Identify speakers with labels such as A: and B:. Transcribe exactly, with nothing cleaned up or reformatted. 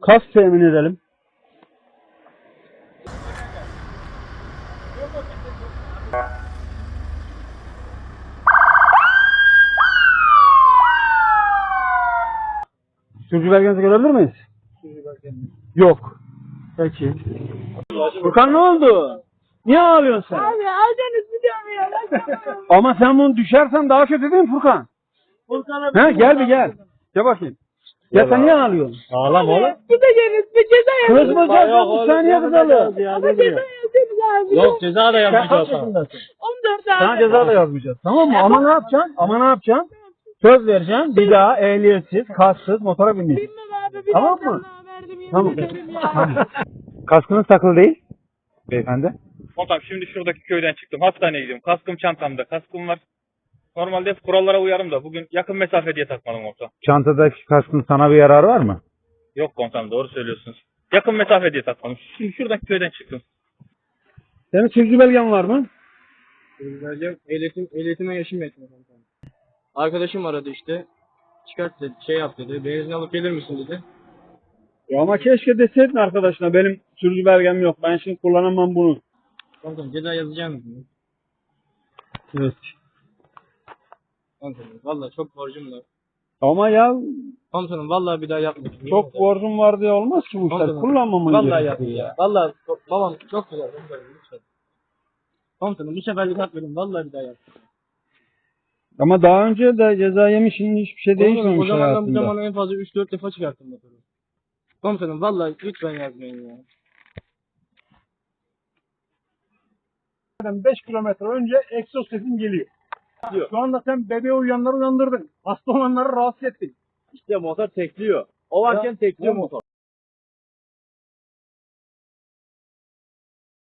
A: Kask temin edelim. Sürücü belgenizi görebilir miyiz? Sürücü belgenizi. Yok. Peki. Furkan ne oldu? Niye ağlıyorsun sen?
B: Abi aldınız biliyorum ya.
A: Ama sen bunu düşersen daha kötü değil mi Furkan?
B: Furkan'a
A: He gel bir gel. Gel bakayım. Ya sen niye ağlıyorsun?
C: Ağlama oğlum.
B: Gideceğiniz bir ceza yazın.
A: Kızmayacağız bu saniye kızalım.
B: Ama ceza yazın abi.
C: Yok ceza da
A: Sen
C: yapmayacağız.
A: kaç yaşındasın?
B: on dört abi.
A: Sana ceza da yazmayacağız. Tamam mı? Ama ne yapacaksın? Ama ne yapacaksın? Söz vereceğim. Bir daha ehliyetsiz, kasksız motora binmeyeceksin.
B: Bilmem abi. Bir
A: Tamam
B: daha
A: mı?
B: sana verdim, yemin
A: Tamam.
B: ederim ya.
A: Tamam. Kaskınız takılı değil beyefendi.
D: Komutanım şimdi şuradaki köyden çıktım. Hastaneye gidiyorum. Kaskım çantamda. Kaskım var. Normalde hep kurallara uyarım da bugün yakın mesafe diye takmadım komutanım.
A: Çantadaki kaskın sana bir yararı var mı?
D: Yok komutanım doğru söylüyorsunuz. Yakın mesafe diye takmadım. Şimdi şuradaki köyden çıktım.
A: Senin sürücü belgen var mı?
C: Vereceğim. Ehliyetim, ehliyetime yaşım yetmiyor. Arkadaşım aradı işte. Çıkart dedi, şey yap dedi. Benzin alıp gelir misin dedi.
A: Ya ama keşke deseydin arkadaşına benim sürücü belgem yok. Ben şimdi kullanamam bunu.
C: Komutanım ceza yazacağım dedi.
A: Evet.
C: Komutanım valla çok borcum var.
A: Ama ya
C: Komutanım valla bir daha yapmayacağım.
A: çok borcum var diye olmaz ki bu işler.
C: Komutanım,
A: Kullanmaman
C: Valla
A: gerekiyor
C: yapmayacağım. Ya. Valla babam çok güzel. Komutanım lütfen. Komutanım bu seferlik hak verin. Valla bir daha yapmayacağım.
A: Ama daha önce de ceza yemişsin, hiçbir şey
C: Komutanım o
A: değişmemiş
C: zamandan bu
A: hayatında.
C: zamana en fazla üç dört defa çıkarttım motoru. Komutanım valla lütfen yazmayın ya.
E: beş kilometre önce egzoz sesin geliyor. Şu anda sen bebeği uyuyanları uyandırdın. Hasta olanları rahatsız ettin.
C: İşte motor tekliyor. O varken tekliyor motor.